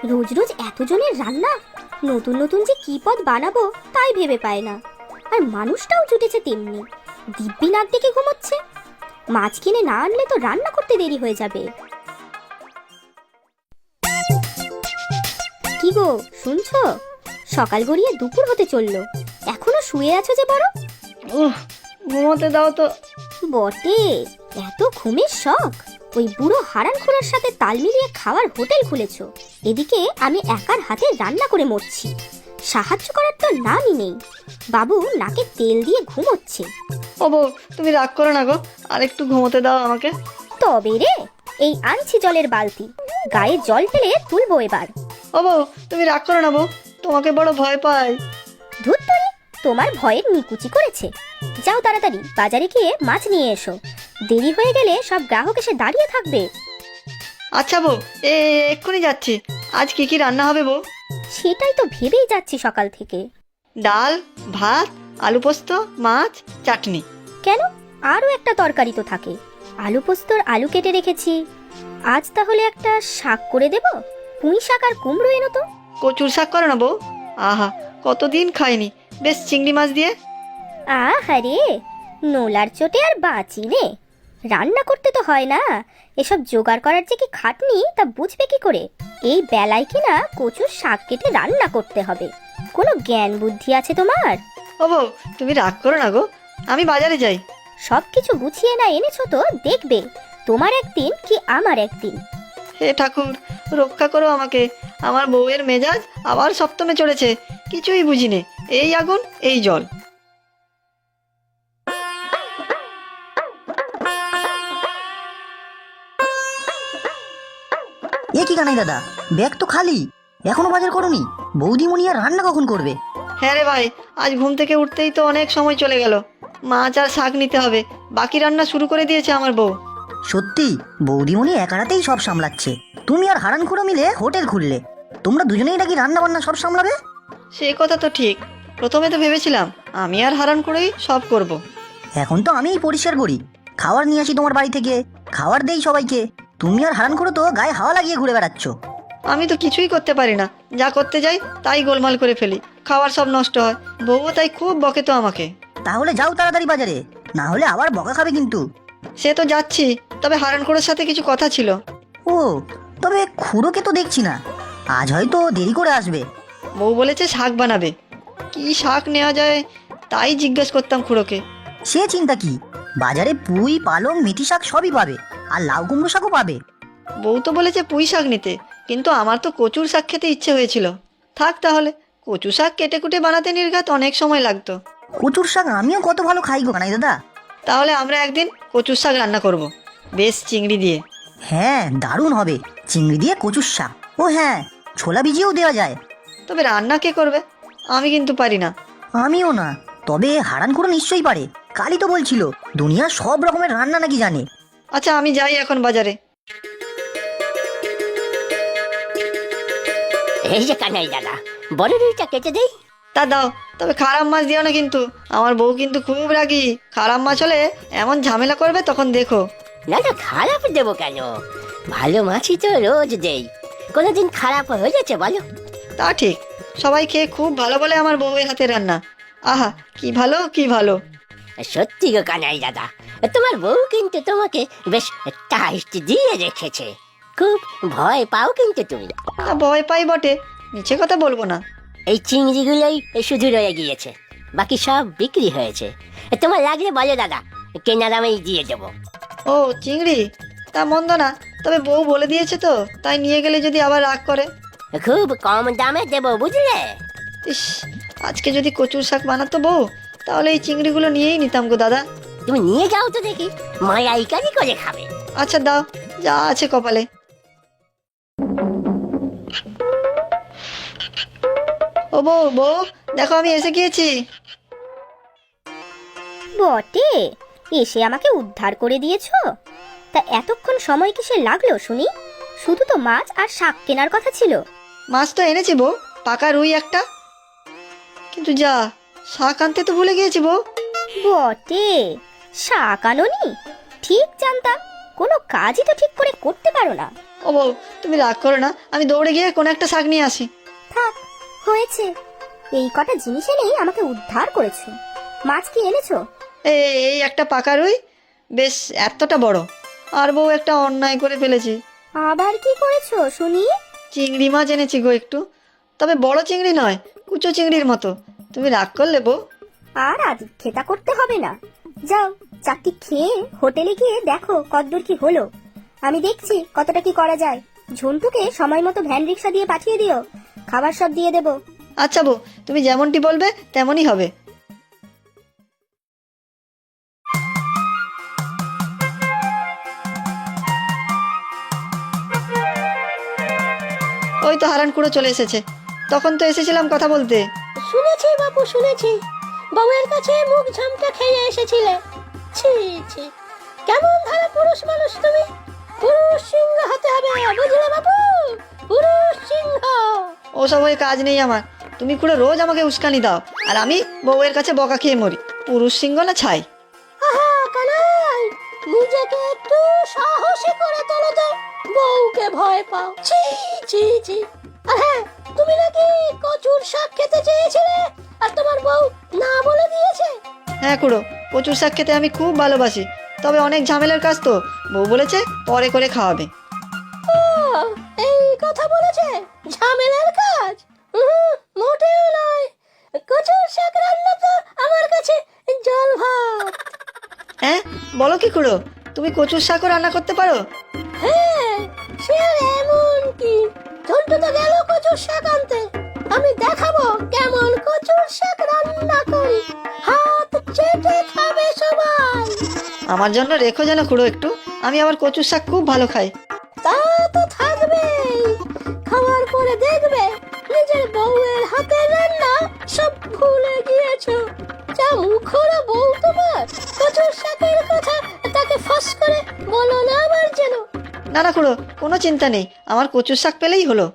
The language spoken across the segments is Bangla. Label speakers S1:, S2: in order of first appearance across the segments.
S1: রোজ রোজ এতজনের রান্না, নতুন নতুন যে কি পদ বানাবো তাই ভেবে পায় না। আর মানুষটাও জুটেছে তেমনি, দিব্যি নাক ডেকে ঘুমোচ্ছে। মাছ কিনে না আনলে তো রান্না করতে দেরি হয়ে যাবে। কি গো, শুনছো? সকাল গড়িয়ে দুপুর হতে চললো, এখনো শুয়ে আছো যে বড়?
S2: ঘুমোতে দাও তো।
S1: বটে, এত ঘুমের শখ? ওই বুড়ো হারানখোরার সাথে তাল মিলিয়ে খাওয়ার হোটেল খুলেছো, এদিকে আমি একার হাতে রান্না করে মরছি। সাহায্য করার তো নামই নেই। বাবু নাকে তেল দিয়ে ঘুমোচ্ছে।
S2: ও বউ, তুমি রাগ করো না গো, আর একটু ঘুমোতে দাও আমাকে।
S1: তবে রে, এই আনছি জলের বালতি, গায়ে জল ঢেলে তুলবো এবার।
S2: ও বউ, তুমি রাগ করো না বউ, তোমাকে বড় ভয় পাই।
S1: ধুত্তরি, তোমার ভয়ের নিকুচি করেছে। যাও তাড়াতাড়ি বাজারে গিয়ে মাছ নিয়ে এসো, দেরি হয়ে গেলে সব গ্রাহক এসে দাঁড়িয়ে থাকবে।
S2: আচ্ছা বউ, এক্ষুনি যাচ্ছি। আজ কি কি রান্না হবে বউ?
S1: সেটাই তো ভেবেই যাচ্ছি সকাল থেকে।
S2: ডাল, ভাত, আলু পোস্ত, মাছ, চাটনি।
S1: কেন, আরও একটা তরকারি তো থাকে। আলু পোস্তর আলু কেটে রেখেছি, আজ তাহলে একটা শাক করে দেব। পুঁই শাক আর কুমড়ো এনো তো।
S2: কচুর শাক করো না বউ। আহা, কতদিন খাইনি, বেশ চিংড়ি মাছ দিয়ে।
S1: আহারে, নোলার চোটে আর বাঁচি নে। রান্না করতে তো হয় না, এসব জোগাড় করার যে কি খাটনি তা বুঝবে কি করে? এই বেলায় কিনা কচুর শাক কেটে রান্না করতে হবে, কোনো জ্ঞান বুদ্ধি আছে তোমার?
S2: ও বউ, তুমি রাগ করো না গো, আমি বাজারে যাই।
S1: সব কিছু গুছিয়ে না এনেছো তো দেখবে তোমার একদিন কি আমার একদিন।
S2: হে ঠাকুর, রক্ষা করো আমাকে। আমার বউয়ের মেজাজ আবার সপ্তমে চড়েছে, কিছুই বুঝিনে। এই আগুন, এই জল।
S3: এ কি কানাই দাদা, ব্যাগ তো খালি, এখনো বাজার করনি? বৌদিমণি আর রান্না কখন করবে?
S2: হ্যাঁ রে ভাই, আজ ঘুম থেকে উঠতেই তো অনেক সময় চলে গেল। মাছ আর শাক নিতে হবে, বাকি রান্না শুরু করে দিয়েছে আমার বউ।
S3: সত্যি বৌদিমণি একা রাতেই সব সামলাচ্ছে। তুমি আর হারানখুড়ো মিলে হোটেল খুললে, তোমরা দুজনেই নাকি রান্না বান্না সব সামলাবে?
S2: সেই কথা তো ঠিক, প্রথমে তো ভেবেছিলাম আমি আর হারান করেই সব করব।
S3: এখন তো আমিই পরিষ্কার করি, খাবার নিয়ে আসি তোমার বাড়ি থেকে, খাবার দেই সবাইকে। তুমি আর হারানখুড়ো তো গায়ে হাওয়া লাগিয়ে ঘুরে বেড়াচ্ছ।
S2: আমি তো কিছুই করতে পারি না, যা করতে যাই তাই গোলমাল করে ফেলি, খাবার সব নষ্ট হয়। বউও তাই খুব বকে তো আমাকে।
S3: তাহলে যাও তাড়াতাড়ি বাজারে, না হলে আবার বকা খাবে কিন্তু।
S2: সে তো যাচ্ছি, তবে হারান করের সাথে কিছু কথা ছিল।
S3: ও, তবে খুড়োকে তো দেখছি না, আজ হয়তো দেরি করে আসবে।
S2: বউ বলেছে শাক বানাবে, কি শাক নেওয়া যায় তাই জিজ্ঞেস করতাম খুড়োকে।
S3: সে চিন্তা কি, বাজারে পুঁই পালং মেথি শাক সবই পাবে, আর লাউ কুমড়ো শাকও পাবে।
S2: বউ তো বলেছে পুঁই শাক নিতে, কিন্তু আমার তো কচুর শাক খেতে ইচ্ছে হয়েছিল। থাক তাহলে, কচু শাক কেটে কুটে বানাতে নির্ঘাত অনেক সময় লাগতো।
S3: কচুর শাক আমিও কত ভালো খাই গো কানাই দাদা।
S2: তাহলে আমরা একদিন কচুর শাক রান্না করব, বেশ চিংড়ি দিয়ে।
S3: হ্যাঁ, দারুণ হবে, চিংড়ি দিয়ে কচুর শাক। ও হ্যাঁ, ছোলা ভিজিয়েও দেওয়া যায়।
S2: তবে রান্না কে করবে? আমি কিন্তু পারি না।
S3: আমিও না, তবে হারান করে নিশ্চয়ই পারে, কালই তো বলছিল দুনিয়ার সব রকমের রান্না নাকি জানে।
S2: আচ্ছা, আমি যাই এখন বাজারে।
S4: এই যে কানাই দাদা, বড় রুইটা কেটে দেই।
S2: তা দাও, তবে খারাপ মাছ দিও না কিন্তু, আমার বউ কিন্তু খুব রাগী। খারাপ মাছ হলে এমন ঝামেলা করবে তখন দেখো।
S4: না না, খারাপ দেবো কেন? ভালো মাছই তো রোজ দেই, কোনোদিন খারাপ হয়েছে বলো?
S2: তা ঠিক, সবাই খেয়ে খুব ভালো বলে আমার বউয়ের হাতে রান্না। আহা, কি ভালো কি ভালো।
S4: সত্যি গো কানাই দাদা, তোমার বউ কিন্তু তোমাকে বেশ টাইট দিয়ে রেখেছে। খুব ভয় পাও কিন্তু তুমি।
S2: তা ভয় পাই বটে, মিছে কথা বলবো না।
S4: এই চিংড়িগুলোই শুধু রয়ে গিয়েছে, বাকি সব বিক্রি হয়েছে। তোমার লাগলে বলো দাদা, কেনা দামেই দিয়ে দেবো।
S2: ও চিংড়ি, তা মন্দ না, তবে বউ বলে দিয়েছে তো, তাই নিয়ে গেলে যদি আবার রাগ করে।
S4: খুব কম দামে দেবো বুঝলে।
S2: ইস, আজকে যদি কচুর শাক বানাতো বউ, তাহলে এই চিংড়িগুলো নিয়েই নিতাম গো দাদা।
S4: তুমি নিয়ে যাও তো দেখি, মায়াইকারি করে খাবে।
S2: আচ্ছা দাও, যা আছে কপালে। ও বউ, বউ দেখো আমি এসে গিয়েছি।
S1: বটে, এসে আমাকে উদ্ধার করে দিয়েছো। তা এতক্ষণ সময় কিসে লাগলো শুনি? শুধু তো মাছ আর শাক কেনার কথা ছিল।
S2: মাছ তো এনেছি বউ, পাকা রুই একটা। কিন্তু যা, শাক আনতে তো ভুলে গিয়েছি বউ।
S1: বটে, শাক আনোনি? ঠিক জানতাম, কোনো কাজই তো ঠিক করে করতে পারো না।
S2: ও বউ, তুমি রাগ করো না, আমি দৌড়ে গিয়ে কোনো একটা শাক নিয়ে আসি।
S1: থাক, হয়েছে। এই কটা জিনিস এনেই আমাকে উদ্ধার করেছো। মাছ কি এনেছো?
S2: এই একটা পাকা রুই, বেশ এতটা বড়। আর বউ, একটা অন্যায় করে ফেলেছি।
S1: আবার কি করেছো শুনি?
S2: চিংড়ি মাছ এনেছি গো একটু, তবে বড় চিংড়ি নয়, কুচো চিংড়ির মতো। তুমি রাগ করলে বউ?
S1: আর আজ খেতা করতে হবে না। যাও, চারটি খেয়ে হোটেলে গিয়ে দেখো কতদূর কি হলো। আমি দেখছি কতটা কি করা যায়। ঝন্টুকে সময় মতো ভ্যান রিক্সা দিয়ে পাঠিয়ে দিও, খাবার সব দিয়ে দেবো।
S2: আচ্ছা বউ, তুমি যেমনটি বলবে তেমনই হবে। ওই তো হারান খুঁড়ো চলে এসেছে। তখন তো এসেছিলাম কথা বলতে।
S4: শুনেছি বাপু, শুনেছি বউয়ের কাছে মুখ ঝামটা খেয়ে এসেছিলে। ছি ছি, কেমন ধারা পুরুষ মানুষ তুমি। পুরুষ সিংহ হতে হবে, বুঝলে বাপু? পুরুষ সিংহ।
S2: ওসব হয়ে কাজ নেই আমার। তুমি খুঁড়ো রোজ আমাকে উস্কানি দাও, আর আমি বউয়ের কাছে বকা খেয়ে মরি। পুরুষ সিংহ না ছাই।
S4: আহা কানাই, নিজেকে একটু সাহসী করে তোলো তো। বউকে ভয় পাও? ছি ছি ছি। আর হ্যাঁ, তুমি নাকি কচুর শাক খেতে চেয়েছিলে, আর তোমার বউ না বলে দিয়েছে?
S2: হ্যাঁ খুড়ো, কচুর শাক খেতে আমি খুব ভালোবাসি, তবে অনেক ঝামেলার কাজ তো। বউ বলেছে পরে করে খাওয়াবে।
S4: ও, এই কথা বলেছে? ঝামেলার কাজ? মোটেও নয়। কচুর শাক রান্না তো আমার কাছে জল ভাত।
S2: হ্যাঁ, বলো কি খুড়ো, তুমি কচুর শাকও রান্না করতে পারো?
S4: হ্যাঁ, সে আর এমন কি, ঝন্টু তো গেল কচুর শাক আনতে। আমি দেখাবো কেমন কচুর শাক রান্না করি। হাত চেটে খাবে সবাই।
S2: আমার জন্য রেখো যেন খুড়ো একটু, আমি আবার কচুর শাক খুব ভালো খাই।
S4: তা তো থাকবেই। খাওয়ার পরে দেখবে নিজের বউয়ের হাতের রান্না সব ভুলে গিয়েছো। যা মুখরা বউ তোমার। কচুর শাকের কথা তাকে ফাঁস করে বলো না আবার যেন।
S2: না না খুড়ো, কোনো চিন্তা নেই, আমার কচুর শাক পেলেই হলো।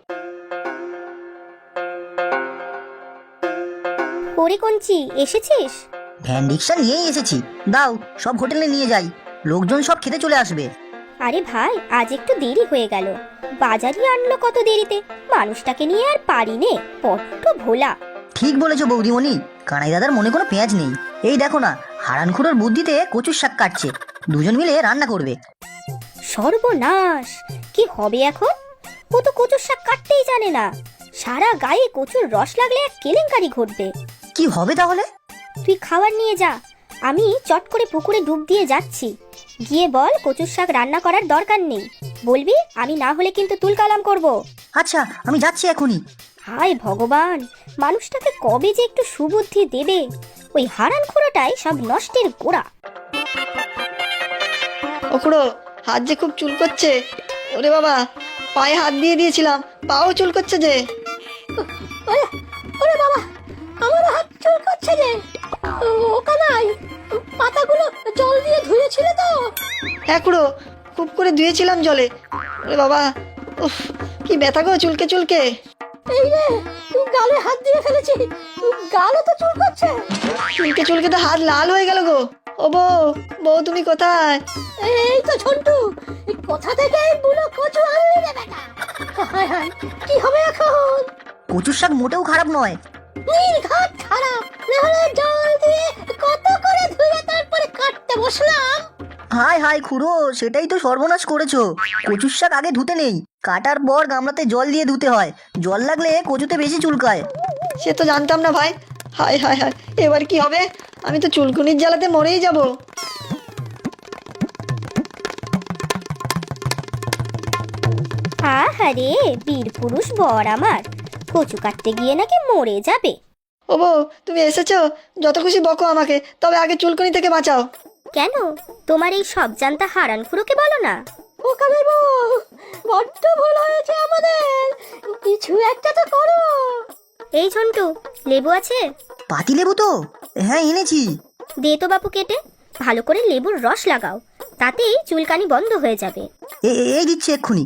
S1: ওরে কঞ্চি, এসেছিস?
S3: ভ্যান রিক্সা নিয়েই এসেছি। দাও, সব হোটেলে নিয়ে যাই, লোকজন সব খেতে চলে আসবে।
S1: আরে ভাই, আজ একটু দেরি হয়ে গেল। বাজারই আনলো কত দেরিতে। মানুষটাকে নিয়ে আর পারি নে, বড্ড ভোলা।
S3: ঠিক বলেছো বৌদিমণি, কানাই দাদার মনে কোনো পেঁয়াজ নেই। এই দেখো না, হারানখুড়োর বুদ্ধিতে কচুর শাক কাটছে, দুজন মিলে রান্না করবে।
S1: সর্বনাশ, কি হবে এখন? ও তো কচুর শাক কাটতেই জানে না। সারা গায়ে কচুর রস লাগলে এক কেলেঙ্কারি ঘটবে।
S3: কি হবে তাহলে?
S1: তুই খাবার নিয়ে যা, আমি চট করে পুকুরে ডুব দিয়ে যাচ্ছি। গিয়ে বল কচুর শাক রান্না করার দরকার নেই। বলবি আমি না হলে কিন্তু তুলকালাম করব।
S3: আচ্ছা, আমি যাচ্ছি এখনই।
S1: হায় ভগবান, মানুষটাকে কবে যে একটু সুবুদ্ধি দেবে। ওই হারান খোড়াটাই সব নষ্টের গোড়া।
S2: ও খুড়ো, হাত যে খুব চুল করছে। ওরে বাবা, পায়ে হাত দিয়ে দিয়েছিলাম, পাও চুল করছে যে।
S4: ওরে ওরে বাবা, আমার হাত চুল করছে যে। ও কানাই, পাতাগুলো জল দিয়ে ধুয়েছিলে তো?
S2: হ্যাঁ খুড়ো, খুব করে ধুয়েছিলাম জলে। ওরে বাবা, উফ, কি ব্যথা গো চুলকে চুলকে।
S4: এই রে, গালে হাত দিয়ে ফেলেছি, গালও তো চুল করছে।
S2: চুলকে চুলকে তো হাত লাল হয়ে গেল গো। ও বউ, বউ তুমি কোথায়?
S4: এই তো ঝন্টু, কোথা থেকে এই বুড়ো কচু আনলি রে বেটা? হায় হায়, কি হবে এখন?
S3: কচুর শাক মোটেও খারাপ নয়।
S4: নির্ঘাত খারাপ, নাহলে জল দিয়ে কত করে ধুয়ে তারপরে কাটতে বসলাম।
S3: হায় হায় খুড়ো, সেটাই তো সর্বনাশ করেছো। কচুর শাক আগে ধুতে নেই, কাটার পর গামলাতে জল দিয়ে ধুতে হয়। জল লাগলে কচুতে বেশি চুলকায়।
S2: সে তো জানতাম না ভাই। হায় হায় হায়, এবার কি হবে? আমি তো চুলকুনির জ্বালাতে মরেই যাব।
S1: আহারে, বীর পুরুষ বর আমার, কচু কাটতে গিয়ে নাকি মরে যাবে।
S2: ও বউ, তুমি এসেছো, যত খুশি বকো আমাকে, তবে আগে চুলকুনি থেকে বাঁচাও।
S1: কেন, তোমার এই সব জানতা হারান খুড়োকে বলো না।
S4: ও কানের বউ, বড্ড ভুল হয়েছে আমাদের, কিছু একটা তো করো।
S1: এই ঝন্টু, লেবু আছে?
S3: পাতি লেবু তো? হ্যাঁ, এনেছি।
S1: দে তো বাপু কেটে, ভালো করে লেবুর রস লাগাও, তাতেই চুলকানি বন্ধ হয়ে যাবে।
S3: এই দিচ্ছি এক্ষুনি।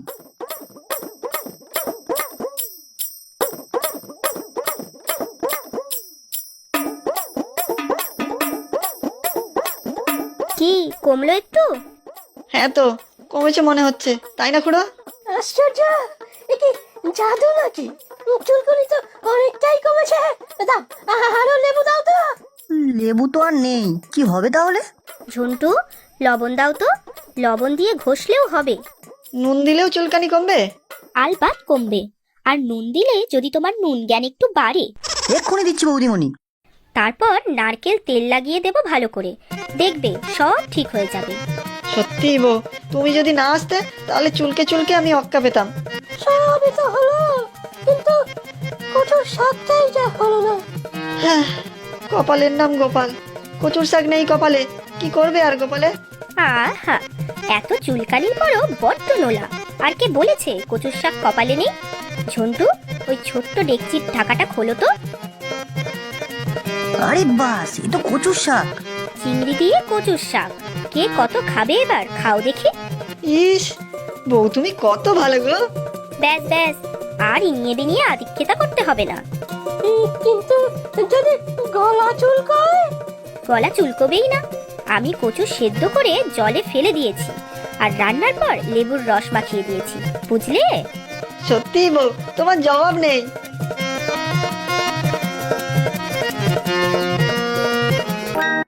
S1: কি কমলো একটু?
S2: হ্যাঁ তো, কমেছে মনে হচ্ছে, তাই না খুড়ো?
S4: আশ্চর্য, এ কি জাদু নাকি? চুলকুনি তো অনেকটাই কমেছে। দাও, আরো লেবু দাও তো।
S3: লেবু তো আর নেই, কি হবে তাহলে?
S1: ঝন্টু, লবণ দাও তো। লবণ দিয়ে ঘষলেও হবে।
S2: নুন দিলেও চুলকানি কমবে?
S1: আলবাত কমবে। আর নুন দিলে যদি তোমার নুন জ্ঞান একটু বাড়ে।
S3: এক্ষুনি দিচ্ছি বৌদিমণি।
S1: তারপর নারকেল তেল লাগিয়ে দেবো ভালো করে, দেখবে সব ঠিক হয়ে যাবে।
S2: সত্যি বউ, তুমি যদি না আসতে তাহলে চুলকে চুলকে আমি অক্কা পেতাম।
S4: সবই তো হলো, কিন্তু কচুর শাকটাই যা হলো না।
S2: হ্যাঁ, কপালের নাম গোপাল, কচুর শাক নেই কপালে, কি করবে আর গোপালে?
S1: আহা, এত চুলকানির পরও বড্ড নোলা। আর কে বলেছে কচুর শাক কপালে নেই? ঝন্টু, ওই ছোট্ট ডেকচির ঢাকাটা খোলো তো।
S3: আরে বাস, এ তো কচুর শাক।
S1: চিংড়ি দিয়ে কচুর শাক, কে কত খাবে এবার খাও দেখি।
S2: ইস, বউ তুমি কত ভালো গো।
S1: ব্যাস ব্যাস, আর ইনিয়ে বিনিয়ে আদিক্ষেতা করতে হবে না।
S4: কিন্তু যদি গলা চুলকায়?
S1: গলা চুলকবেই না। আমি কচু সেদ্ধ করে জলে ফেলে দিয়েছি, আর রান্নার পর লেবুর রস মাখিয়ে দিয়েছি, বুঝলে?
S2: সত্যি বউ, তোমার জবাব নেই।